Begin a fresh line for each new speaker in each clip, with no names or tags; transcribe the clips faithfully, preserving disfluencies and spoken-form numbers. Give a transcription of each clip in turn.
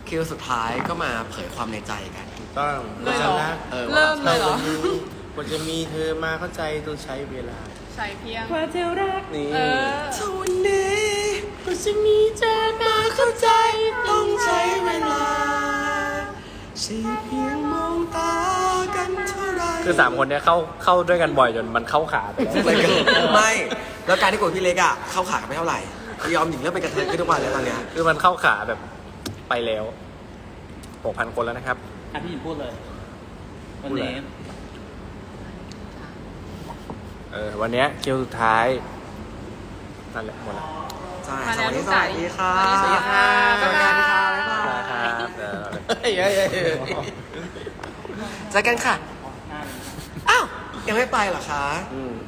คิวสุดท้ายก็มาเผยความในใจกัน
ถูกต้อง
เลยเหรอ
นะ
เออ
เริ่มเลยเหรอ
กว่าจะมีเธอมาเข้าใจต้องใช้เวลา
ใส่เพียง
กว่าจะรัก
นี่
เออ
ทุกวันนี้ก็จะมีเธอมาเข้าใจต้องใช้เวลาใช่เพียงมองตากันเท่าไร
คือสามคนเนี้ยเข้าเข้าด้วยกันบ่อยจนมันเข้าขาไปแล้ว
มันก็ไม่ แล้วการที่กดพี่เล็กอ่ะเข้าขากันไม่เท่าไหร่ยอมหญิงเริ่มเป็นกระเทยขึ้นทุกวันแล้วตอนเนี้ย
คือมันเข้าขาแบบไปแล้วหกพันคนแล้วนะครับ
อ่ะพี่หญิงพูดเลย วันนี้
เออวันเนี้ยคิวสุดท้ายนั่นแหละหมดแล้ว
ใช่
มา
ส
แล้ว
วัส
ลู
ดี
ก
ส
สาว
วัสดีค่ะ
สวัสดีค่ะ
สวัสดีค่ะบ๊ายบาย
ครับเออ
เฮ้ยเฮ้ยเฮ้ยเฮ้ย
เจอกันค่ะ อ้าว ยังไม่ไปเหรอคะ
อืม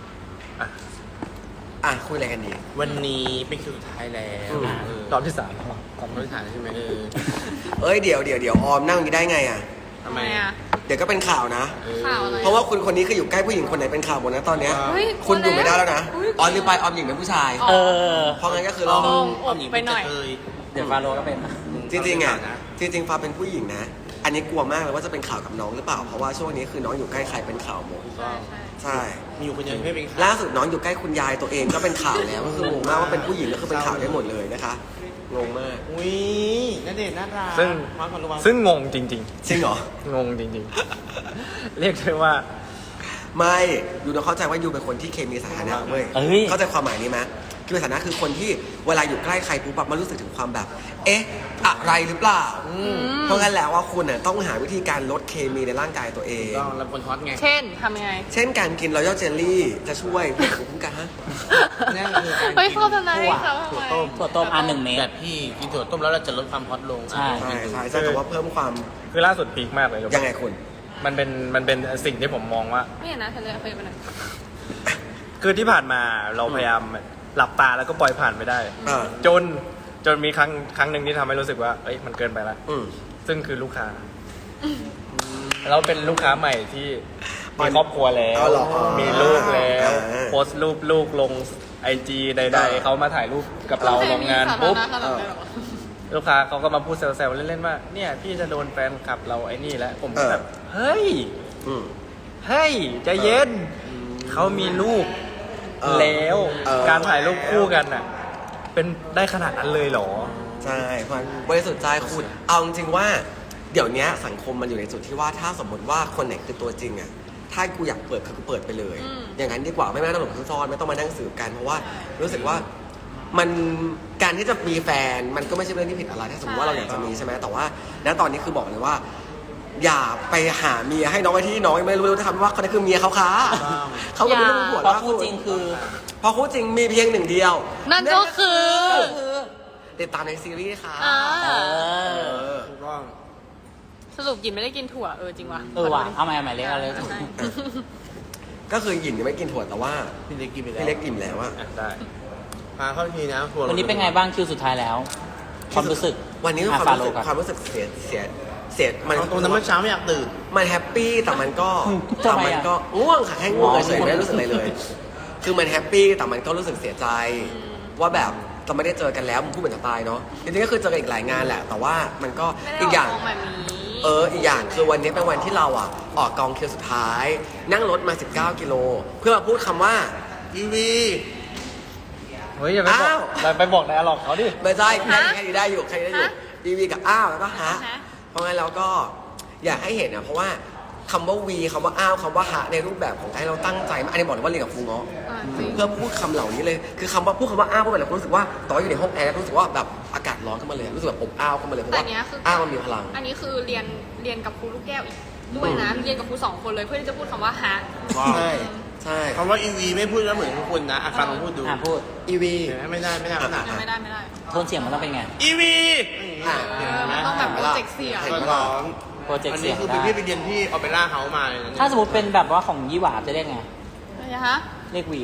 อ่ะ คุยอะไรกันดี
วันนี้เป็นคิวสุดท้ายแล้ว
อืม
เออ
รอบที่สาม
ความรู้ฐานใช่ไหมเออ
เอ้ย เดี๋ยวเดี๋ยวเดี๋ยวออมนั่งอย่างนี้ได้ไงอ่ะ
ทำไม
อ่ะ
เดี๋ยวก็เป็นข่าวนะ
เออ
ข่าวอะไร
เพราะว่าคุณคนนี้คืออยู่ใกล้ผู้หญิงคนไหนเป็นข่าวหมดนะตอนเนี้ย
เฮ้ย
คุณอยู่ไม่ได้แล้วนะ
อุ๊ย
ออมลืมไปออมหญิงเป็นผู้ชาย
อ๋อ
เออ
เพราะงั้นก็คือ
ล
เรา
ง
ออมหญิง
ไปหน่อย
เป็กระเท
เดี๋ยวฟาโรก็เป็น
จริงๆอ่ะ
นะ
จริงๆฟ้าเป็นผู้หญิงนะ อันนี้กลัวมากเลยว่าจะเป็นข่าวกับน้องหรือเปล่า เพราะว่าช่วงนี้คือน้องอยู่ใกล้ใครเป็นข่าวหมด
ใช่ใช่
ใช่
มีอยู่คนเดียวที่ไม่เป็นข่าว
ล่าสุดน้องอยู่ใกล้คุณยายตัวเองก็เป็นข่าวแล้ว ก็คืองงมากว่าเป็นผู้หญิงก็คือเป็นข่าวได้หมดเลยนะคะงงมาก
อุ้ยน่าเด็ดน่ารัก
ซึ่ง
วางก่อนระวัง
ซึ่งงงจริง
จริงเหรอ
ๆ งงจริงๆ เรียกได้ว่า
ไม่ยูต้องเข้าใจว่ายูเป็นคนที่เคมีสถานะเว้ย
เอ้ย
เข้าใจความหมายนี้ไหมเคมีสถานะคือคนที่เวลาอยู่ใกล้ใครปุ๊บแบบมันรู้สึกถึงความแบบ เอ๊ะ อะไรหรือเปล่า เพราะงั้นแล้วว่าคุณน่ะต้องหาวิธีการลดเคมีในร่างกายตัวเอง
ต้องรับคนฮอตไง
เช่นทำยังไง
เช่นการกินรอยัลเจลลี่จะช่วยภูมิคุ้มกันฮะ
นั่นคือการ
เฮ้ย
กิน
โฆษณาให้เขาทำ
ถั่ว
ไม
ต้ม
ถั่วต้มอันหนึ่งเมต
แบ
ร
บพี่กินถั่วต้มแล้วเราจะลดความฮอตลง
ใช่
ใช่ใช่ใช่แต่ว่าเพิ่มความ
คือล่าสุดพีคมากเลย
ยังไงคุณ
มันเป็นมันเป็นสิ่งที่ผมมองว่า
ไม่เห็นนะเธอเลยเคยไปไหน
คือที่ผ่านมาเราพยายามหลับตาแล้วก็ปล่อยผ่านไปได้
เออ
จนจนมีครั้งครั้งหนึ่งที่ทำให้รู้สึกว่าเอ้ยมันเกินไปแล้ว
อืม
ซึ่งคือลูกค้า เราเป็นลูกค้าใหม่ที่
อ๋อ
มีครอบครัวแล้ว
อ๋อเหรอ
มีลูกแล้ว
อ่า
โพสต์รูปลูกลงไอจีใด
อ่า
ๆเขามาถ่ายรูปกับเราลงงาน
สาธาร
ปุ๊บ
ณะขนาดนั้นเลยเหรอ
ลูกค้าเขาก็มาพูดแซวๆเล่นๆว่าเนี่ยพี่จะโดนแฟนคลับเราไอ้นี่แล้วผม
เออ
แบบเฮ้ย
อืม
เฮ้ยใจเย็นเขามีลูก
เออ
แล้ว
เออ
การถ่ายรูปคู่กันน่ะ เป็นได้ขนาดนั้นเลยเหรอ
ใช่เพราะบริสุทธิ์ใจคุณเอาจริงๆว่า เดี๋ยวนี้สังคมมันอยู่ในจุดที่ว่าถ้าสมมติว่าคนไหนคือตัวจริงอ่ะถ้ากูอยากเปิดคือกูเปิดไปเลย
อืม
อย่างนั้นดีกว่าไม่ต้องหลบซ่อนไม่ต้องมานั่งสืบกันเพราะว่ารู้สึกว่ามันการที่จะมีแฟนมันก็ไม่ใช่เรื่องที่ผิดอะไรถ้าสมมติว่าเราอยากจะมีใช่ไหมแต่ว่าณตอนนี้คือบอกเลยว่า อย่าไปหาเมียให้น้องไอ้ที่น้องยังไม่รู้เลยทำว่าคนนั้นคือเมียเขาค้าเขาก็ไม่รู้หัว
เพราะ
ล่า
คู่
สุด
จริงคือ
เพราะคู่จริงมีเพียงหนึ่งเดียว
นั่นก็คือ
ติดตามในซีรีส์ค่ะ
อ่า
เออ
เออ
ถูกต้อง
สรุปหยินไม่ได้กินถั่วเออจริงว่ะ
เออว่ะเอาใหม่เอาใหม่เล็กเอาเลย
ใช่
ก็คือหยินยังไม่กินถั่วแต่ว่า
พี่เล็กกินไปแล้ว
พี่เล็กอิ่มแล้วอะ
อ่ะได้
พาเข้าทีนะถั่ว
วันนี้เป็นไงบ้างคิวสุดท้ายแล้ว ความรู้สึก
วันนี้
อ่ะ
ความรู้สึก
ฟาโรห์ก่อน
ความรู้สึกเสียเสียเสียมัน
เอาตรงนั้นเมื่อเช้าไม่อยากตื่น
มันแฮปปี้แต่มันก็
ทำ
แต่
ไมอะ
มันก็ง่วงค่ะแค่ง่วง
อ๋อ
เฉยๆไม่ได้รู้สึกอะไรเลย คือมันแฮปปี้แต่มันก็รู้สึกเสียใจ ว่าแบบจะไม่ได้เจอกันแล้วมันพูดเหมือนจะตายเนาะจริงๆก็คือเจอกันอีกหลายงานแหละ แต่ว่ามันก็
ไม่ได้
อีกอย่าง
ออกแบบนี้
เอออีกอย่างคือวันนี้เป็นวันที่เราอ่ะออกกองคิวสุดท้าย นั่งรถมาสิบเก้ากิโลเพื่อมาพูดคำว่า
อีวี
เฮ้ยอย่าไปบอก
อ้าว
อย่าไปบอกนายหรอกเขาดิ
ไม่ใช่แค่
ฮะ
แค่นี้ได้อยู่แค่นี้ได้อยู่
ฮะ
ดีวีกับอ้าวแล้วก็ฮะ
ฮะ
เพราะงั้นเราก็อยากให้เห็นนะเพราะว่าคำว่าวีคำว่าอ้าวคำว่าฮะในรูปแบบของไอ้เราตั้งใจมากอันนี้บอกเลยว่าเรียนกับครูเงาะ
อ่าจริง
เพื่อพูดคำเหล่านี้เลยคือคำว่าพูดคำว่าอ้าวเพราะแบบเรารู้สึกว่าตอนอยู่ในห้องแอร์รู้สึกว่าแบบอากาศร้อนขึ้นมาเลยรู้สึกแบบอบอ้าวขึ้นมาเลยเพราะ
แต่
ว่า
เนี้ยคือ
อ้าวมันมีพลัง
อันนี้คือเรียนเรียนกับครูลูกแก้วอีกด้วยนะเรียนกับครูสองคนเลยเพื่อที่จะพูดคำว่าฮะ
ใช่ใช่
คำว่าอีวีไม่พูดแล้วเหมือนทุกคนนะอาฟังลองพูดดู
อ่ะพูด
อีวี
เห็นไหมไม่ได้ไม่ได้ขนาด
ยังไม่ได้ไม่ได้
โทนเสียงมันต้องเป็นไง
อีวี
อ่ะ
เออมันต้องแบบโปรเจกต์เสียง
เห็น
ก็
ไหม
ร้อง
โปรเจกต์
อัน
เสี
นี้
ยง
คือ
ได้
พี่ไปเรียนที่ออเปร่าเฮาส์มาเลยนะ
ถ้าสมมติเป็นแบบว่าของยี่หวาจะเรียกไง
อะไรฮะ
เรียกวี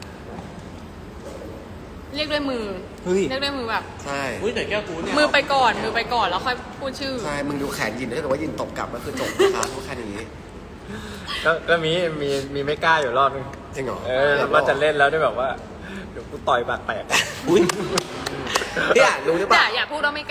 เรียกด้วยมือ
เฮ้ย
เรียกด้วยมือแบบ
ใช่
อุ้ยแต่แก้วกูเนี่ย
มือไปก่อน มือไปก่อนแล้วค่อยพูดชื่อ
ใช่มึงดูแขนยินถ้าเกิดว่ายินตบกลับก็คือจบนะคะพูดแค่นี้
ก็ก็มีมีมีไม่กล้าอยู่รอบนึง
จริงเหรอ
เออว่าจะเล่นแล้วได้แบบว่าเดี๋ยวกูต่อยปากแตก
อุ้ย
เนี่ยรู้หรือเป
แต่
ล่า
อย่าพูดว่าไม่กล้า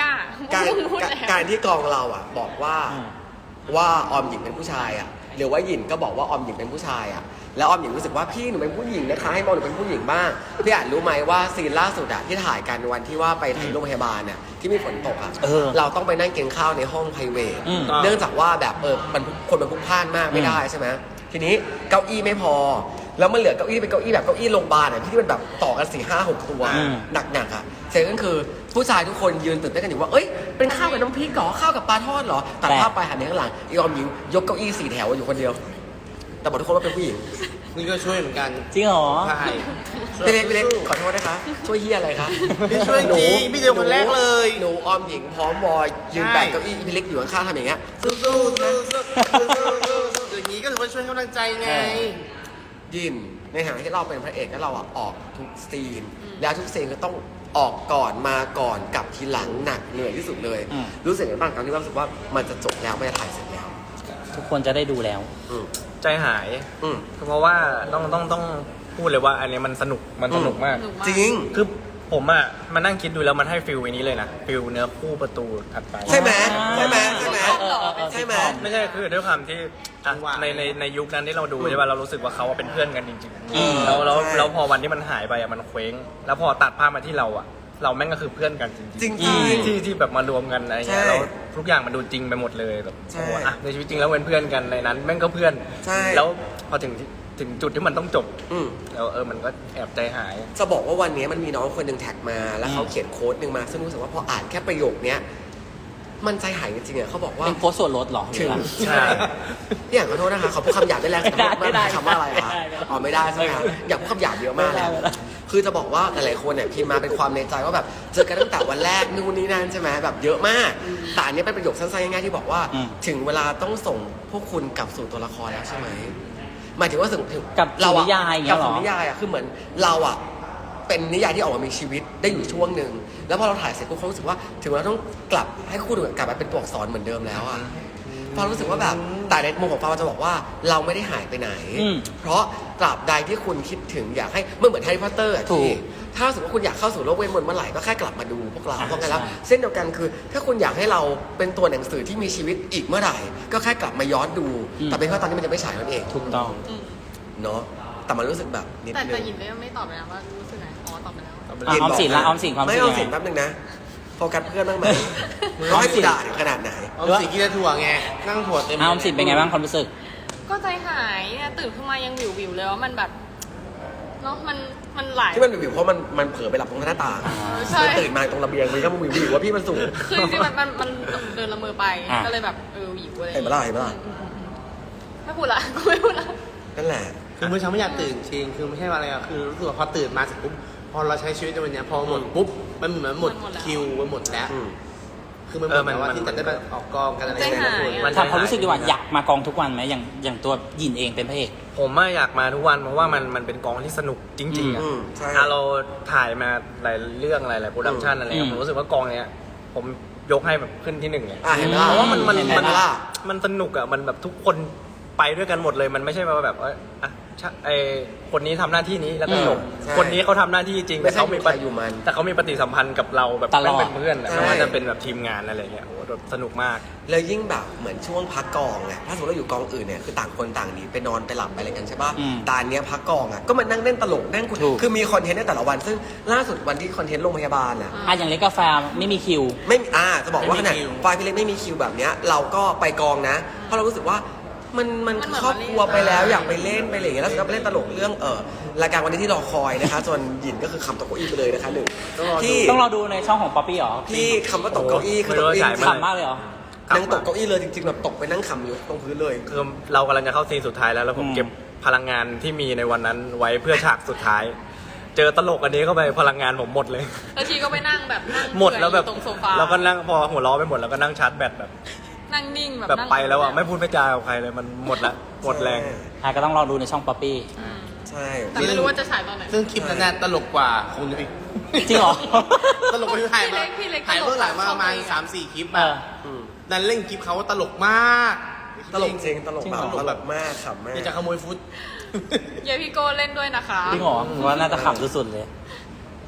การ
พูด
การ
แล้ว
การที่กองเราอ่ะ บอกว่า
อืม
ว่าออมหญิงเป็นผู้ชายอ่ะหรือว่าหยินก็บอกว่าออมหญิงเป็นผู้ชายอ่ะแล้วออมหญิงรู้สึกว่าพี่หนูเป็นผู้หญิงนะคะให้มองหนูเป็นผู้หญิงบ้างพี่อาจรู้ไหมว่าซีนล่าสุดอ่ะที่ถ่ายกันวันที่ว่าไปถ่ายโรงพยาบาลน่ะที่มีฝนตกอ่ะ
เออ
เราต้องไปนั่งกินข้าวในห้องไพรเวท
อืม
เนื่องจากว่าแบบเออมันคนมันพลุกพล่านมากไม่ได้ใช่ไหมทีนี้เก้าอี้ไม่พอ แล้วมันเหลือเก้าอี้เป็นเก้าอี้แบบเก้าอี้โรงพยาบาลอ่ะที่มันแบบต่อกันสี่ห้าหกตัว
อืม
หนักๆอ่ะเสร็จก็คือผู้ชายทุกคนยืนตื่นเต้นกันอยู่ว่าเอ้ยเป็นข้าวกับน้ำพริกเหรอข้าวกับปลาทอดเหรอตัดภาพไปหันไปข้างหลังอีออมหญิงยกเก้าอี้สี่แถวอยู่คนเดียว แต่บอกทุกคนว่าเป็นผู้หญิง
นี่ก็ช่วยเหมือนกัน
จริงเหรอ
ใช่
พี่เล็กพี่เล็กขอโทษนะคะช่วยเฮียอะไรคะ
พี่ช่วยจริงพี่เดียวคนแรกเลย
หนูออมหญิงพร้อมวอยยืนแบกเก้าอี้พี่เล็กอยู่ข้างๆทำอย่างเงี้ย
สู้ๆสู้ๆสู้ๆสู้ๆอย่างนี้ก็ถือว่าช่วยกำลังใจไง
ยินในฐานะที่เราเป็นพระเอกแล้วเราอะออกทุกซีน แล้วทุกซีนก็ต้องออกก่อนมาก่อนกลับทีหลังหนักเหนื่อยที่สุดเลย
อืม
รู้สึกยังไงบ้างครั้งที่ว่ารู้สึกว่ามันจะจบแล้วไม่ได้ถ่ายเสร็จแล้ว
ทุกคนจะได้ดูแล้ว
อืม
ใจหาย
อืม
เพราะว่าต้องต้องต้องพูดเลยว่าอันนี้มันสนุกมันสนุกมาก
สนุกมาก
จริง
คือผมอ่ะมานั่งคิดดูแล้วมันให้ฟิลอันนี้เลยนะฟิลเนื้อคู่ประตูถัดไป
ใช่ไหมใช่ไหมใช่ไหม
เออเออเออ
ใช่ไหม
ไม่ใช่คือด้วยความที่อ่ะ
ว่า
ในในในยุคนั้นที่เราดู
อืม
ใช่ป่ะเรารู้สึกว่าเขาเป็นเพื่อนกันจริง
อืม
ๆแล้วแล้ว
ใช่
แล้วพอวันที่มันหายไปอ่ะมันเคว้ง แล้วพอตัดภาพมาที่เราอ่ะ เราแม่งก็คือเพื่อนกันจริงๆ
จริง
อืม
ๆ
ที่ที่แบบมารวมกันอะไรเงี้ย
ใช่
แล้วทุกอย่างมันดูจริงไปหมดเลยแบบ
ใช่
โอ้โหอ่ะในชีวิตจริงแล้วเป็นเพื่อนกันในนั้น แม่งก็เพื่อน
ใช่
แล้วพอถึงถึงจุดที่มันต้องจบ
อืม
แล้วเออมันก็แอบใจหาย
จะบอกว่าวันนี้มันมีน้องคนหนึ่งแท็กมา แล้วเขา
อืม
เขียนโค้ดหนึ่งมา ซึ่งรู้สึกว่าพออ่านแค่ประโยคเนี้ยมันใจหายจริงๆอ่ะเขาบอกว่า
เป็นโค้ดส่วนลดเหรอ
ถึง
หรือ
ใช่
พี่อย่างขอโทษนะคะเขาพูดคำหยาบได้แรง
ไม่ได้ไม่ได้
คำว่าอะไรคะ
ไม่ได้ไม่ได้
อ๋อไม่ได้ใช่ไหมคะอยากพูดคำหยาบเยอะมากเลย
ไม่ได้ไม่ได้
คือจะบอกว่าหลายๆคนเนี่ยพิมพ์มาเป็นความในใจว่าแบบเจอกันตั้งแต่วันแรกนู่นนี่นั่นใช่ไหมแบบเยอะมากแต่อันนี้เป็นประโยคสั้นๆง่ายๆที่บอกว่า
อืม
ถึงเวลาต้องส่งพวกคุณกลับสู่ตัวละครแล้วใช่ไหมหมายถึงว่าถึงถึง
กลับสู่
เราอะ
นิยายอย่างเงี้
กลั
ยเหรอ
สู่นิยายอะคือเหมือนเราอะเป็นนิยายที่ออกมามีชีวิตได้อยู่ช่วงหนึ่งแล้วพอเราถ่ายเสร็จปุ๊บเขารู้สึกว่าถึงเราต้องกลับให้คู่ดูกลับมาเป็นตัวอักษรเหมือนเดิมแล้วอะ ฟารู้สึกว่าแบบแต่ในมุมของฟาจะบอกว่าเราไม่ได้หายไปไหน
อืม
เพราะตราบใดที่คุณคิดถึงอยากให้เมื่อเหมือนแฮร์รี่พอตเตอร์อะ
ถูก
ที่ถ้าสมมติว่าคุณอยากเข้าสู่โลกเวทมนต์เมื่อไหร่ก็แค่กลับมาดูพวกเรา
อ่า
เพราะงั้นแล้ว
ใช่
เส้นเดียวกันคือ ถ้าคุณอยากให้เราเป็นตัวหนังสือที่มีชีวิตอีกเมื่อไหร่ ก็แค่กลับมาย้อนดู แต่เป็นเพราะตอนนี้มันจะไม่ฉายนั่นเอง
ถูกต้อง
อืม
เนาะแต่มันรู้สึกแบบนิด
แต่
นึ
แต่
ง
หยินก็ยังไม่ตอบเลยนะว่ารู้สึกไงอ๋อตอบไปแล้ว
อ่ะออมสินละออมสินความรู้
ไม่
สึก
เอา
ยัง
สิน
ไง
แป๊บนึงนะโฟกัสเพื่อนบ้างไหมร้อยกูด่าถึงขนาดไหน
เอาสีกินแต่ถั่วไง นั่งถั่วเต็ม
อ่ะออมสินเป็นไงบ้างความรู้สึก
ก็ใจหายเนี่ยตื่นขึ้นมายังวิววิวๆเลยว่ามันแบบเนาะมันมันหลาย
ที่มันวิวๆเพราะมันมันเผลอไปหลับตรงหน้าต่าง
ใช่
มันตื่นมาตรงระเบียงมันก็วิววิวว่าพี่มันสูง
คือจริงๆมันมันมันเดินละเมอไป
อ่ะ
ก็เลยแบบเออวิวอะไร
เห็นปะล่ะเห็นปะล่ะ
ไม่พูดละกูไม่พูดละ
นั่นแหละ
คือเมื่อเช้าไม่อยากตื่นจริง คือไม่ใช่ว่าอะไรอะคือรู้สึกว่าพอตื่นมาเสร็จปุ๊บ พอเราใช้ชีวิตในวันเนี้ยพอหมดปุ๊บ มันเหมือนหมดคิวมันหมดแล้ว
อืม
คือมันหมดแล้วว่าที่จะได้ไปออกกองกันอะไร
ใจ
อย่าง
หาย
เงี้ย
อะ
ถามความรู้สึกดีกว่าอยากมากองทุกวันไหมอย่างอย่างตัวหยินเองเป็นพระเอก
ผมอะอยากมาทุกวันเพราะว่ามันมันเป็นกองที่สนุกจริงๆอะ
อืมใช่
อ่ะเราถ่ายมาหลายเรื่องหลายหลายโปรดักชันอะไรเงี้ย
อืม
ผมรู้สึกว่ากองเนี้ยผมยกให้แบบขึ้นที่หนึ่งเลย
อ่ะเห็นปะล่ะ
เพราะว่ามันมัน
เห็น
มัน
ปะล่ะ
มันสนุกอ่ะมันแบบทุกคนไปด้วยกันหมดเลยมันไม่ใช่ว่าแบบว่าอ่ะชะไอคนนี้ทำหน้าที่นี้แล้วก็จบ
ใช่
คนนี้เขาทำหน้าที่จริง
ไม่
แต่
ใช่
เขามี
อยู่ใครอยู่มัน
แต่เขามีปฏิสัมพันธ์กับเราแบบ
ตลอด
แม่งเป็นเพื่อนอะ
ใช่
ไม่ว่าจะเป็นแบบทีมงานอะไรเงี้ยโอ้โหแบบสนุกมาก
แล้วยิ่งแบบเหมือนช่วงพักกองไงถ้าสมมติเราอยู่กองอื่นเนี่ยคือต่างคนต่างหนีไปนอนไปหลับไปอะไรกันใช่ป่ะ
อืม
แต่อันเนี้ยพักกองอ่ะก็มานั่งเล่นตลกนั่งคุย
ถูก
คือมีคอนเทนต์ในแต่ละวัน ซึ่งล่าสุดวันที่คอนเทนต์โรงพยาบาลอ่ะ
อ่ะอย่างเล็กกาแฟไม่มีคิว
ไม่มีอ่าจะบอกว่า
ไม่
ข
มี
นาด
คิว
ไฟล์พี่เล็กไม่มีคิวแบบเนี้ยเราก็ไปกองนะ เพราะเรารู้สึกว่ามันมัน
มันเหมือน
ครอบครัว
มาเล่น
ไปแล้วอยากไปเล่นไปอะไรอย่างเงี้ยแล้วสุดท้ายไปเล่นตลกเรื่องเออรายการวันนี้ที่รอคอยนะคะส่วนหยินก็คือคำตกเก้าอี้ไปเลยนะคะหนึ่งที่
ต้องรอดูในช่องของป๊อปปี้เหรอ
ที่คำว่าตกเก้าอี้คือตกเก้าอี้
ไม่รู้ว่าฉายเมื่อไหร่
ขำมากเลยเหรอ
นั่งตกเก้าอี้เลยจริงๆแบบตกไปนั่งขำอยู่ตรงพื้นเลย
คือเรากำลังจะเข้าซีนสุดท้ายแล้วแล้วผม
อืม
เก็บพลังงานที่มีในวันนั้นไว้เพื่อฉากสุดท้าย เจอตลกอันนี้เข้าไปพลังงานผมหมดเลย
แล้วทีก็ไปนั่งแบบนั่ง
หมดแล้วแบบ
เปื่อยอยู่ตรงโซฟา
เราก็นั่งพอหัวล้อไปหมดแล้วก็นั่งชาร์จแบตแบบ
นั่งนิ่งแบบ
แบบ
นั่ง
ไปแล้วอ่ะไม่พูดไม่จากับใครเลยมันหมดละหมดแรง
อ่ะก็ต้องรอดูในช่องป๊อปปี้
อืม
ใช่
แต่ไม่รู้ว่าจะฉายตอนไหน
ซึ่งคลิปนั้นน่ะตลกกว่าคุณอีก
จริงเหรอ
ตลกกว่าที่ถ่ายมา
พี่เล็กพี่เล็ก
ถ่ายเบื้องหลังมาประมาณ
ตลก
สามสี่คลิป
เอ
อะ
อ
ม
ดันเล่นคลิปเขาว่าตลกมาก
ตลกจริงตลก
จริง
แบ
เหร
บ
อ
ตลกมากขำมาก
นี่จะขโมยฟุต
เยพี่โก้เล่นด้วยนะคะ
จริงเหรอผมว่าน่าจะขำสุดๆเลย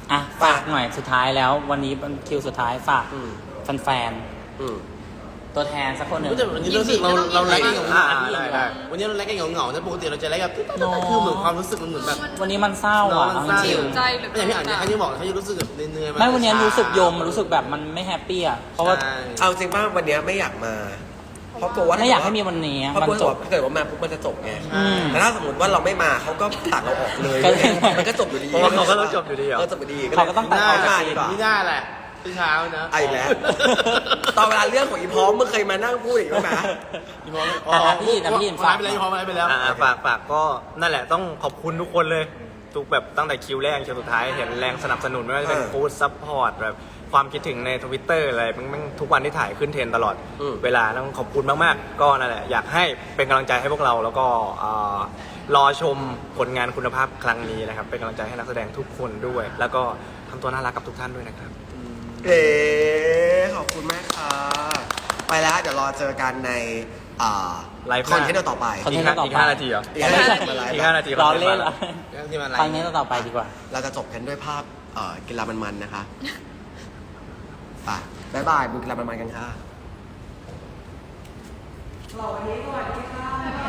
อ่ะฝากหน่อยสุดท้ายแล้ว วันนี้เป็นคิวสุดท้ายฝาก
อืม
แฟน
อืม
ๆตัวแทนสักคนหนึ่ง
ก็จะวันนี้รู้สึกเราเราไลฟ์กันเหงา
อ่า
ๆ
ได้ได้
วันนี้เราไลฟ์กันเหงาๆนะปกติเราจะไลฟ์แบบคือเหมือนความรู้สึกมันเหมือนแบบ
วันนี้มันเศร้าอ่ะ
มันเศร้า
จริง
ใจเหลือ
ไม่อย่างที่อ่านเนี่ยเขาจะบอกเขาจะรู้สึกแบบเหนื่อยๆ
ๆไม่วันนี้รู้สึกโยมมันรู้สึกแบบมันไม่แฮปปี้อ่ะเพราะว่า
ใช่
เอาจริงป่ะวันเนี้ยไม่อยากมา เพราะกลัวว่า
ไม่อยากให้มีวันนี้
เพราะ
มัน
กลัว
จ
ว่า
บ
ถ้าเกิดว่ามาปุ๊บมันจะจบไง
อืม
แต่ถ้าสมมติว่าเราไม่มาเขาก็ตัดเราออกเลย
ก็เลย
มันก็จบอยู่ดี
เพราะว่าเขาก็ต้องจบอยู่ดีเหรอ
เออจบอยู่ดี
เขาก็ต้องตัดออก
ไม่
จาก
มา
ซี
ดี
น
กว่า
ไม่ได้แหละที่เช้านะ
เอาอีกแล้ว ตอนเวลาเรื่องของอีพร้อมมึงเคยมานั่งพูดอีกไหม
พี่พร้อม
อ่ะพี่นะพี่
ฝา
ฝาก ก
ไปแล้วพี่พร้อมไปแล้ว
อ่าฝากฝากก็นั่นแหละต้องขอบคุณทุกคนเลย ทุกแบบตั้งแต่คิวแรกคิวสุดท้ายเห็นแรงสนับสนุนไม่ว่าจะเป็น
เออ
ฟู้ดซัพพอร์ตแบบความคิดถึงในทวิตเตอร์อะไรมันมันทุกวันที่ถ่ายขึ้นเทรนด์ตลอด
อืม
เวลาต้องขอบคุณมากๆ ก็นั่นแหละอยากให้เป็นกำลังใจให้พวกเราแล้วก็อ่ารอชมผลงานคุณภาพครั้งนี้นะครับเป็นกำลังใจให้นักแสดงทุกคนด้วย แล้วก็ทำตัวน่ารักกับทุกท่านด้วยนะครับ
เอ๋ขอบคุณมากค่ะ ไปแล้วเดี๋ยวรอเจอกันในอ่า
ไลฟ์ห
ค
น้า
อนเทนต์ต่อไป
คอนเท
อี
น
ก
ต์
ห้า
ต่อ
อีก
ไป
ห้านาทีเหรอ
อีกห้านาทีมาไลฟ์
อีกห้านาที
รอเล่นเหรอ
ที่มาไล
ครั้ง
ฟ์
นี้ต่อไปดีกว่า
เราจะจบกันด้วยภาพเอ่อกีฬามันๆนะคะไปบ๊ายบายดูกีฬามันๆกันค่ะเราวันนี้สวัสดีค่ะ